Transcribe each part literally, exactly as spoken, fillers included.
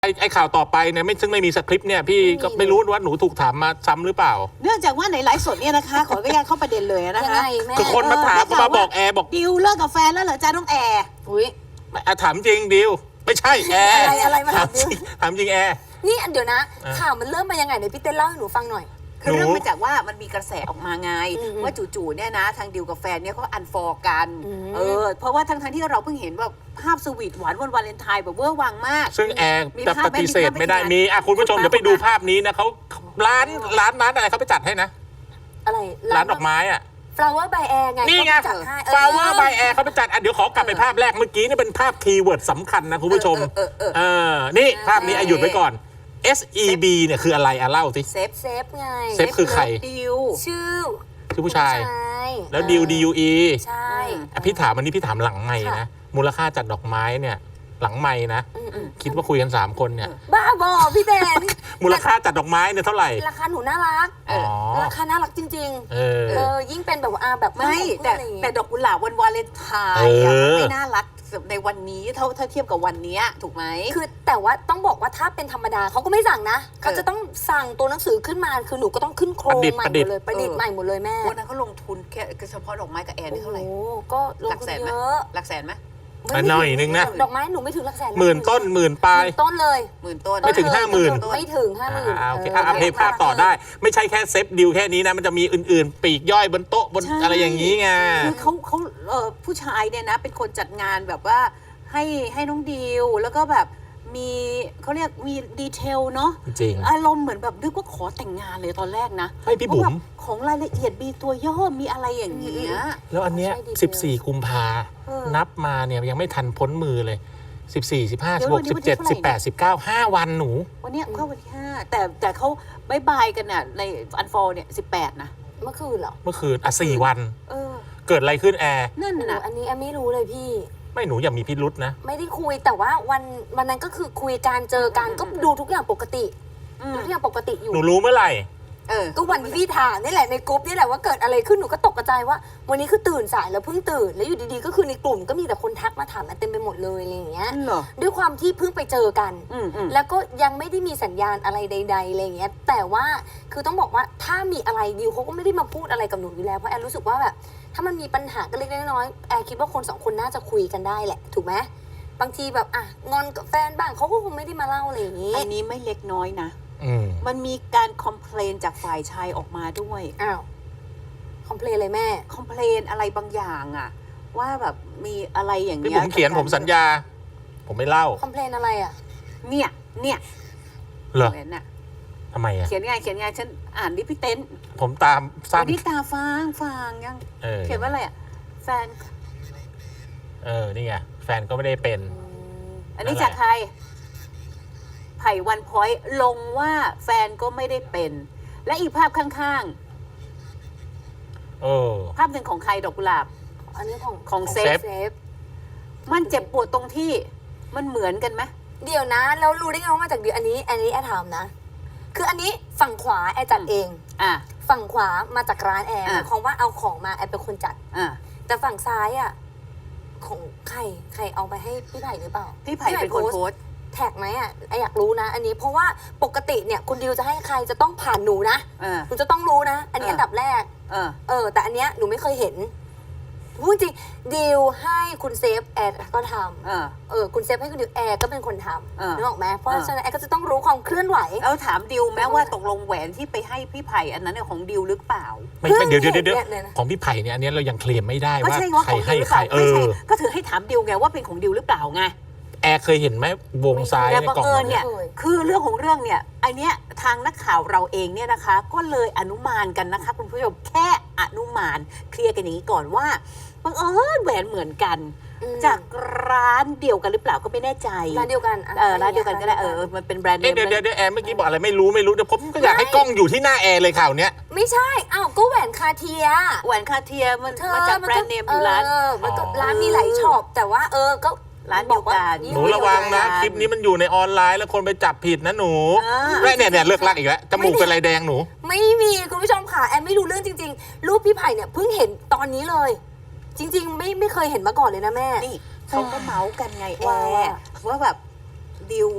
ไอ้ไอ้ข่าวต่อไปเนี่ยไม่ซึ่งไม่มีสคริปต์เนี่ยพี่ก็ไม่รู้ว่าหนูถูกถามมาซ้ำหรือเปล่าเนื่องจากว่าในไลฟ์สดเนี่ยนะคะ ขออนุญาตเข้าประเด็นเลยนะคะคือคนมาถามมาบอกแอร์บอกดิวเลิกกับแฟนแล้วเหรอจ้าน้องแอร์อุ้ยถามจริงดิวไม่ใช่แอร์อะไรอะไรมาถามดิวถามจริงแอร์นี่เดี๋ยวนะข่าวมันเริ่มมายังไงเดี๋ยวพี่เต้นเล่าให้หนูฟังหน่อยคือเรื่องมาจากว่ามันมีกระแสออกมาไงว่าจู่ๆเนี่ยนะทางดิวกับแฟนเนี่ยเขาอันฟอร์กันเออเพราะว่าทั้งๆที่เราเพิ่งเห็นแบบภาพสวีทหวานวันวาเลนไทน์แบบเวอร์วังมากซึ่งแอร์จะปฏิเสธไม่ได้มีอ่ะคุณผู้ชมเดี๋ยวไปดูภาพนี้นะเขาร้านร้านร้านอะไรเขาไปจัดให้นะอะไรร้านดอกไม้อ่ะ flower by air ไงนี่ไง flower by air เขาไปจัดอ่ะเดี๋ยวขอกลับไปภาพแรกเมื่อกี้นี่เป็นภาพคีย์เวิร์ดสำคัญนะคุณผู้ชมเออนี่ภาพนี้หยุดไว้ก่อน เอส อี บี เนี่ยคืออะไรอ่ะเล่าสิเซฟเซฟไงเซฟคือใครดิวชื่อชื่อผู้ชายแล้วดิว ดี ยู อีใช่พี่ถามวันนี้พี่ถามหลังไมค์นะมูลค่าจัดดอกไม้เนี่ยหลังไมค์นะคิดว่าคุยกันสามคนเนี่ยบ้าบอพี่เต้นมูลค่าจัดดอกไม้เนี่ยเท่าไหร่ราคาหนูน่ารักราคาน่ารักจริงๆเออยิ่งเป็นแบบว่าแบบไม่แต่แต่ดอกกุหลาบวันวาเลนไทน์ไม่น่ารักในวันนี้เท่าถ้าเทียบกับวันนี้ถูกไหมคือแต่ว่าต้องบอกว่าถ้าเป็นธรรมดาเขาก็ไม่สั่งนะเขาจะต้องสั่งตัวหนังสือขึ้นมาคือหนูก็ต้องขึ้นโครงใหม่หมดเลยประดิษฐ์ใหม่หมดเลยแม่วันนั้นเขาลงทุนแค่เฉพาะดอกไม้กับแอนนี่เท่าไหร่โอ้ก็ลงทุนเยอะหลักแสนไหมหน่อยนึงนะดอกไม้หนูไม่ถึงหลักแสนหมื่นต้นหมื่นปลายต้นเลยหมื่นต้นไม่ถึงห้าหมื่นไม่ถึงห้าหมื่นโอเคอ่ะเพย์ภาพต่อได้ไม่ใช่แค่เซฟดิวแค่นี้นะมันจะมีอื่นๆปีกย่อยบนโต๊ะบนอะไรอย่างนี้ไงคือเขาเขาเออผู้ชายเนี่ยนะเป็นคนจัดงานแบบว่าให้ให้น้องดิวแล้วก็แบบมีเขาเรียกมีดีเทลเนาะจริงอารมณ์เหมือนแบบนึกว่าขอแต่งงานเลยตอนแรกนะให้พี่บุ๋มของรายละเอียดมีตัวย่อมีอะไรอย่างเงี้ยแล้วอันเนี้ยสิบสี่กุมภานับมาเนี่ยยังไม่ทันพ้นมือเลยสิบสี่ สิบห้า สิบหก สิบเจ็ด สิบแปด สิบเก้า ห้าวันหนูวันนี้เข้าวันที่ห้าแต่แต่เขาบายบายกันน่ะในอันฟอร์เนี่ยสิบแปดนะเมื่อคืนเหรอเมื่อคืนอ่ะสี่วันเกิดอะไรขึ้นแอร์นั่นน่ะอันนี้แอมไม่รู้เลยพี่ไม่หนูอย่ามีพิรุษนะไม่ได้คุยแต่ว่าวันวันนั้นก็คือคุยการเจอกันก็ดูทุกอย่างปกติทุกอย่างปกติอยู่หนูรู้เมื่อไหร่เออก็วันที่พี่ถามนี่แหละในกลุ่มนี่แหละว่าเกิดอะไรขึ้นหนูก็ตกใจว่าวันนี้คือตื่นสายแล้วเพิ่งตื่นแล้วอยู่ดีๆก็คือในกลุ่มก็มีแต่คนทักมาถามเต็มไปหมดเลยอะไรอย่างเงี้ยด้วยความที่เพิ่งไปเจอกันแล้วก็ยังไม่ได้มีสัญญาณอะไรใดๆอะไรอย่างเงี้ยแต่ว่าคือต้องบอกว่าถ้ามีอะไรดิวเขาก็ไม่ได้มาพูดอะไรกับหนูอยู่แล้วเพราะแอนรู้สึกว่าแบบถ้ามันมีปัญหากันเล็กๆน้อยๆแอนคิดว่าคนสองคนน่าจะคุยกันได้แหละถูกไหมบางทีแบบอ่ะงอนกับแฟนบ้างเขาก็คงไม่ได้มาเล่าอะไรอย่างงี้อันนี้ไม่เล็กน้อยนะมันมีการคอมเพลนจากฝ่ายชายออกมาด้วยอ้าวคอมเพลนอะไรแม่คอมเพลนอะไรบางอย่างอะว่าแบบมีอะไรอย่างเงี้ยที่ผมเขียนผมสัญญาผมไม่เล่าคอมเพลนอะไรอะเนี่ยเนี่ยเหรอเนี่ยทำไมอะเขียนไงเขียนไงฉันอ่านดิพี่เต้นผมตามสั้นนี่ตาฟางฟางยังเขียนว่าอะไรอะแฟนเออนี่ไงแฟนก็ไม่ได้เป็นอันนี้จากใครไผ่วันพอยต์ลงว่าแฟนก็ไม่ได้เป็นและอีกภาพข้างๆเออภาพหนึ่งของใครดอกกุหลาบอันนี้ของของเซฟมันเจ็บปวดตรงที่มันเหมือนกันไหมเดี๋ยวนะเรารู้ได้ไงว่ามาจากเดียวอันนี้อันนี้แอร์ถามนะคืออันนี้ฝั่งขวาแอร์จัดเองอ่ะฝั่งขวามาจากร้านแอร์หมายความว่าเอาของมาแอร์เป็นคนจัดอ่ะแต่ฝั่งซ้ายอ่ะของใครใครเอาไปให้พี่ไผ่หรือเปล่าพี่ไผ่เป็นคนโพสแท็กไหมอ่ะไออยากรู้นะอันนี้เพราะว่าปกติเนี่ยคุณดิวจะให้ใครจะต้องผ่านหนูนะคุณจะต้องรู้นะอันนี้อันดับแรกเออเออแต่อันเนี้ยหนูไม่เคยเห็นพูดจริงดิวให้คุณเซฟแอร์ก็ทำเออเออคุณเซฟให้คุณดิวแอร์ก็เป็นคนทำนึกออกไหมเพราะฉะนั้นแอร์ก็จะต้องรู้ความเคลื่อนไหวเอาถามดิวแม้ว่าตกลงแหวนที่ไปให้พี่ไผ่อันนั้นเนี่ยของดิวหรือเปล่าไม่เดี๋ยวเดี๋ยวเดี๋ยวของพี่ไผ่เนี่ยอันนี้เรายังเคลมไม่ได้ว่าใครให้ใครเออก็ถือให้ถามดิวไงว่าเป็นของดิวหรือเปล่าไงแอร์เคยเห็นไหมวงซ้ายในกล่องเนี่ยคือเรื่องของเรื่องเนี่ยไอเนี้ยทางนักข่าวเราเองเนี่ยนะคะก็เลยอนุมานกันนะคะคุณผู้ชมแค่อนุมานเคลียร์กันอย่างนี้ก่อนว่าบังเอิญแหวนเหมือนกันจากร้านเดียวกันหรือเปล่าก็ไม่แน่ใจร้านเดียวกันเออร้านเดียวกันก็ได้เออมันเป็นแบรนด์เนมเดี๋ยวเดี๋ยวแอร์เมื่อกี้บอกอะไรไม่รู้ไม่รู้เดี๋ยวผมก็อยากให้กล้องอยู่ที่หน้าแอร์เลยข่าวเนี้ยไม่ใช่อ้าวก็แหวนคาเทียแหวนคาเทียมันมาจากแบรนด์เนมอยู่ร้านมันก็ร้านมีหลายช็อปแต่ว่าเออก็ร้านเดียวกันหนูระวังนะคลิปนี้มันอยู่ในออนไลน์แล้วคนไปจับผิดนะหนูแม่เนี่ยเนี่ยเลิกลักอีกแล้วจมูกเป็นไรแดงหนูไม่มีคุณผู้ชมค่ะแอนไม่รู้เรื่องจริงๆรูปพี่ไผ่เนี่ยเพิ่งเห็นตอนนี้เลยจริงๆไม่ไม่เคยเห็นมาก่อนเลยนะแม่นี่เขาก็เมาส์กันไงแอร์ว่าแบบดิว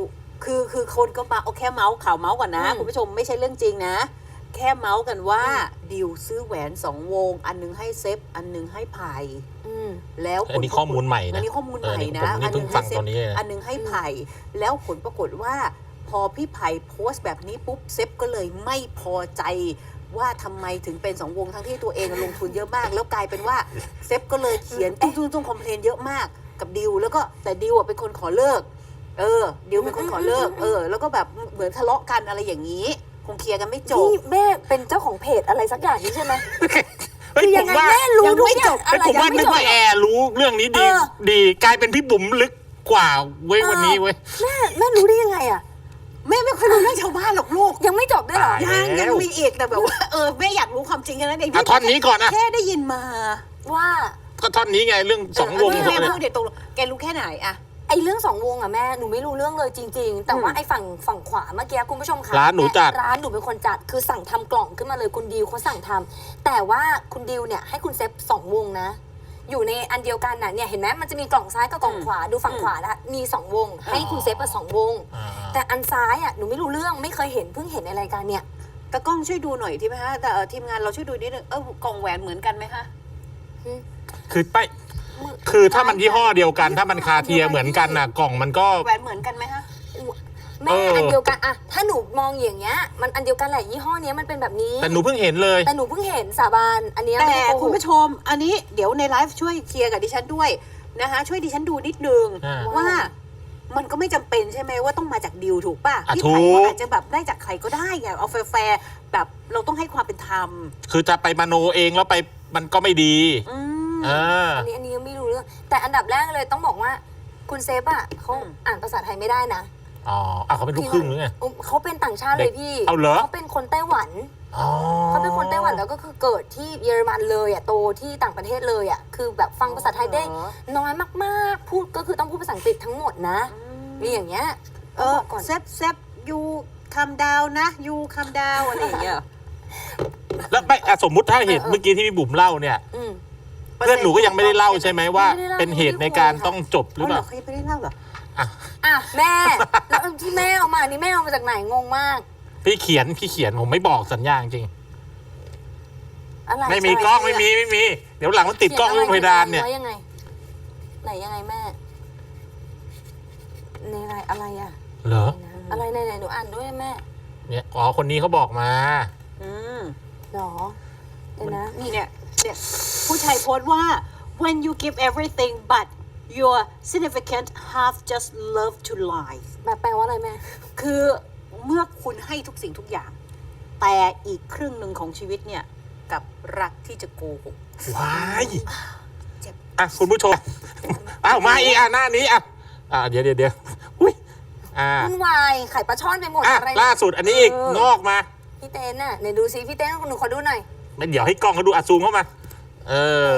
คือคือคนก็มาเอาแค่เมาส์ข่าวเมาส์ก่อนนะอืมคุณผู้ชมไม่ใช่เรื่องจริงนะ แค่เมาส์กันว่าดิวซื้อแหวนสองวง อันนึงให้เซฟอันนึงให้ไผ่อืมแล้วผลอันนี้ข้อมูลใหม่นะอันนี้ข้อมูลใหม่นะเออนี่ผมนี่เพิ่งฟังตอนนี้เลยนะอันนึงให้ไผ่แล้วผลปรากฏว่า พอพี่ไผ่โพสต์แบบนี้ปุ๊บเซฟก็เลยไม่พอใจว่าทำไมถึงเป็นสองวงทั้งที่ตัวเองลงทุนเยอะมาก แล้วกลายเป็นว่าเซฟก็เลยเขียนตุ้งตุ้งตุ้งคอมเพลนเยอะมากกับดิวแล้วก็แต่ดิวอ่ะเป็นคนขอเลิก เออดิวเป็นคนขอเลิกเออแล้วก็แบบเหมือนทะเลาะกันอะไรอย่างนี้ คงเคลียร์กันไม่จบนี่แม่เป็นเจ้าของเพจอะไรสักอย่างนี้ใช่ไหมเฮ้ยคือผยังมไงว่าแม่รู้ยังทุกไม่อย่าจงบอะไรผมว่ายังนึไม่กจบว่าแอร์รู้เรื่องนี้ดีเออดีกลายเป็นพี่บุ๋มลึกกว่าเว้ยวันนี้เว้ยแม่แม่รู้ได้ยังไงอ่ะแม่ไม่ค่อยรู้เรื่องชาวบ้านหรอกลูกยังไม่จบด้วยเหรอตายยังแล้วยังมีอีกแต่แบบว่าเออแม่อยากรู้ความจริงแค่นั้นเองอ่ะท่อนนี้ก่อนนะแค่ได้ยินมาว่าก็ท่อนนี้ไงเรื่องสองวงเออเนี่ยแม่พูดเดี๋ยวตรงแกรู้แค่ไหนอะไอ้เรื่องสองวงอ่ะแม่หนูไม่รู้เรื่องเลยจริง ๆ แต่ว่าอืมไอ้ฝั่งฝั่งขวาเมื่อกี้คุณผู้ชมค่ะร้านหนูจัดร้านหนูเป็นคนจัดคือสั่งทำกล่องขึ้นมาเลยคุณดิวเขาสั่งทำแต่ว่าคุณดิวเนี่ยให้คุณเซฟสองวงนะ อยู่ในอันเดียวกันน่ะเนี่ยเห็นไหมมันจะมีกล่องซ้ายกับกล่องขวาดูฝั่งขวาละมีสองวง ให้คุณเซฟมาสองวงอ่าแต่อันซ้ายอ่ะหนูไม่รู้เรื่องไม่เคยเห็นเพิ่งเห็นในรายการเนี่ยตากล้องช่วยดูหน่อยที่ไหมฮะแต่เอ่อทีมงานเราช่วยดูนิดนึงเออกล่องแหวนเหมือนกันไหมคะคือไปคือถ้ามันยี่ห้อเดียวกัน ถ้ามันคาเทียเหมือนกันน่ะกล่องมันก็แหวนเหมือนกันไหมคะแม่เอออัอันเดียวกันอะถ้าหนูมองอย่างเงี้ยมันอันเดียวกันแหละยี่ห้อเนี้ยมันเป็นแบบนี้แต่หนูเพิ่งเห็นเลยแต่หนูเพิ่งเห็นสาบานอันเนี้ยแต่ไม่ได้โกหคุณกผู้ชม อันนี้เดี๋ยวในไลฟ์ช่วยเคลียร์กับดิฉันด้วยนะคะช่วยดิฉันดูนิดนึงอ่าว่ามันก็ไม่จำเป็นใช่ไหมว่าต้องมาจากดิวถูกป่ะอ่ะพี่ถูไผ่กก็อาจจะแบบได้จากใครก็ได้ไงเอาแฟร์ๆแบบเราต้องให้ความเป็นธรรมคือจะไปมโนเองแล้วไปมันก็ไม่ดีอืมเอออันนี้อันนี้ยังไม่รู้เรื่องแต่อันดับแรกเลยต้องบอกว่าคุณเซฟอะเขาอืมอ่านภาษาไทยไม่ได้นะอ๋ออ่ะเขาเป็นลูกครึ่งหรือไงอืมเขาเป็นต่างชาติเลยพี่เอาเหรอเขาเป็นคนไต้หวันอ๋อเขาเป็นคนไต้หวันแล้วก็คือเกิดที่เยอรมันเลยอะโตที่ต่างประเทศเลยอะคือแบบฟังภาษาไทยได้น้อยมากๆ พูดก็คือต้องพูดภาษาอังกฤษทั้งหมดนะมีอย่างเงี้ยเออก่อนเซฟเซฟยูคำดาวนะยูคำดาวอะไรอย่างเงี้ยแล้วไม่อ่ะสมมุติถ้าเหตุเออเออเมื่อกี้ที่พี่บุ๋มเล่าเนี่ยอืมเพื่อนหนูก็ยังไม่ได้เล่าใช่ไหมว่าไม่ได้เล่าเป็นเหตุในการต้องจบหรือเอาเปเหรล่าอเขายังไม่ได้เล่าเหรออ่ะแม่ แล้วที่แม่เอามานี่แม่เอามาจากไหนงงมากพี่เขียนพี่เขียนผมไม่บอกสัญญาจริงอะไรไม่มีกล้องไม่มีไม่มี เดี๋ยวหลังมันติดกล้องรูปเพดานเนี่ยขีอะไรไว้ยังไงไหนยังไงแม่ในอะไรอะไรอะเหรออะไรไหนไหนหนูอ่านด้วยแม่เนี่ยอ๋อคนนี้เขาบอกมาอืมหรอเดี๋ยวนะนี่เนี่ยเนี่ยผู้ชายโพสต์ว่า when you give everything but your significant half just love to lie แบบแปลว่าอะไรแม่คือเมื่อคุณให้ทุกสิ่งทุกอย่าง แต่อีกครึ่งหนึ่งของชีวิตเนี่ยกับรักที่จะโกหกว้ายเจ็บอ่ะคุณผู้ชม อ้าวมาอีกอ่ะหน้านี้อ่ะอ่ะเดี๋ยวเดี๋ยวเดี๋ยวอุ้ยอ่าวุ่นวายไข่ปลาช่อนไปหมดอ่ะอะไรล่าสุดอันนี้อีกเอองอกมาพี่เต้นน่ะไหนดูซิพี่เต้นหนูขอดูหน่อยไม่เดี๋ยวให้กล้องเขาดูอัดซูมเข้ามา เออ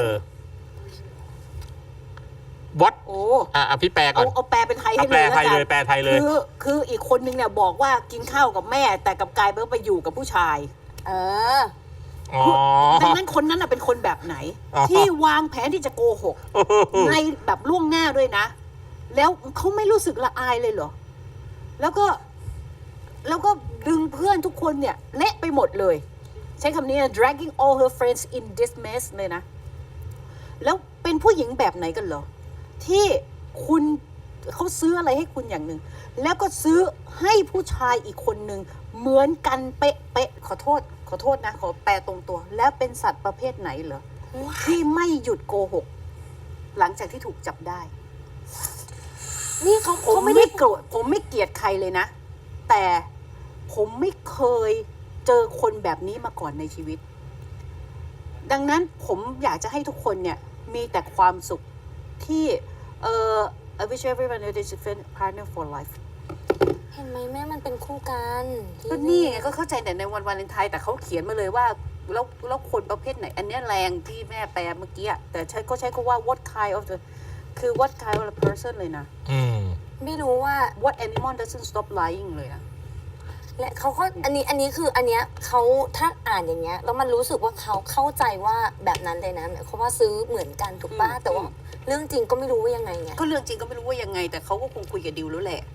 วัดโอ้อ่ะอ่ะพี่แปลก่เอาอนเอาแปลเป็นไทยเอาให้แปลเลยไทยแวเลกัยนแปลไทยเลยคือคืออีกคนนึงเนี่ยบอกว่ากินข้าวกับแม่ แต่กับกายเบิร์ไปอยู่กับผู้ชายเอออ๋อดังนั้นคนนั้นน่ะเป็นคนแบบไหนอ๋อที่วางแผนที่จะโกหก ในแบบล่วงหน้าด้วยนะ แล้วเขาไม่รู้สึกละอายเลยเหรอ แล้วก็ แล้วก็ดึงเพื่อนทุกคนเนี่ยเละไปหมดเลย ใช้คำนี้นะ dragging all her friends in this mess เลยนะ แล้วเป็นผู้หญิงแบบไหนกันเหรอ ที่คุณเขาซื้ออะไรให้คุณอย่างหนึ่ง แล้วก็ซื้อให้ผู้ชายอีกคนหนึ่งเหมือนกันเป๊ะเป๊ะขอโทษ ขอโทษนะ ขอแปลตรงตัว แล้วเป็นสัตว์ประเภทไหนเหรอ ที่ไม่หยุดโกหก หลังจากที่ถูกจับได้นี่เขาผมเขาไม่ไม่ได้โกรธผมไม่เกลียดใครเลยนะ แต่ผมไม่เคยเจอคนแบบนี้มาก่อนในชีวิต ดังนั้นผมอยากจะให้ทุกคนเนี่ยมีแต่ความสุขที่เอ่อ I wish everyone a different partner for life เห็นไหมแม่มันเป็นคู่กันที่ก็นี่ไงก็เข้าใจแต่ในวันวาเลนไทน์แต่เขาเขียนมาเลยว่าแล้วแล้วคนประเภทไหน อันเนี้ยแรงที่แม่แปลเมื่อกี้อะแต่ใช้ก็ใช้คำว่า what kind of the คือ what kind of a person เลยนะอืมไม่รู้ว่า what animal doesn't stop lying เลยนะและเขาก็อันนี้อันนี้คืออันเนี้ยเขาถ้าอ่านอย่างเงี้ยแล้วมันรู้สึกว่าเขาเข้าใจว่าแบบนั้นเลยนะหมายความว่าซื้อเหมือนกันถูกป่ะอืมแต่ว่าเรื่องจริงก็ไม่รู้ว่ายังไงไงก็เรื่องจริงก็ไม่รู้ว่ายังไง แต่เขาก็คงคุยกับดิวแล้วแหละ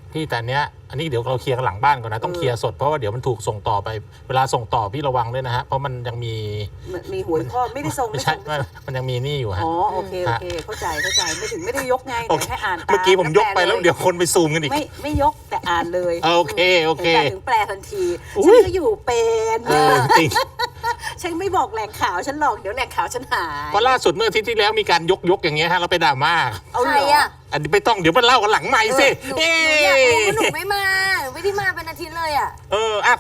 พี่แต่เนี้ยอันนี้เดี๋ยวเราเคลียร์กันหลังบ้านก่อนนะต้องเคลียร์สดเพราะว่าเดี๋ยวมันถูกส่งต่อไปเวลาส่งต่อพี่ระวังด้วยนะฮะเพราะมันยังมีมีหวยข้อไม่ได้ส่งไม่ไม่ใช่ส่งไม่มันยังมีนี่อยู่ฮะอ๋อโอเคโอเคเข้าใจเข้าใจไม่ถึงไม่ได้ยกไงโอแต่เคแค่อ่านตามเมื่อกี้ผมยกไปแล้วเดี๋ยวคนไปซูมกันอีกไม่ไม่ยกแต่อ่านเลยโอเคโอเคแต่ถึงแปลทันทีอุ๊ฉันยก็อยู่เป็นเออจริงฉันไม่บอกแหล่งข่าวฉันหรอกเดี๋ยวแหล่งข่าวฉันหายเพราะล่าสุดเมื่ออาทิตย์ที่แล้วมีการยกยกอย่างเงี้ยฮะเราไปด่าม่าเอาใคเหรรออะอันนี้ไม่ต้องเดี๋ยวมันเล่ากันหลังใหม่สิหนูหนูอยากรู้ว่าหนูไม่มาหนูไม่ได้มาเป็นอาทิตย์เลยอะเอออ่ะ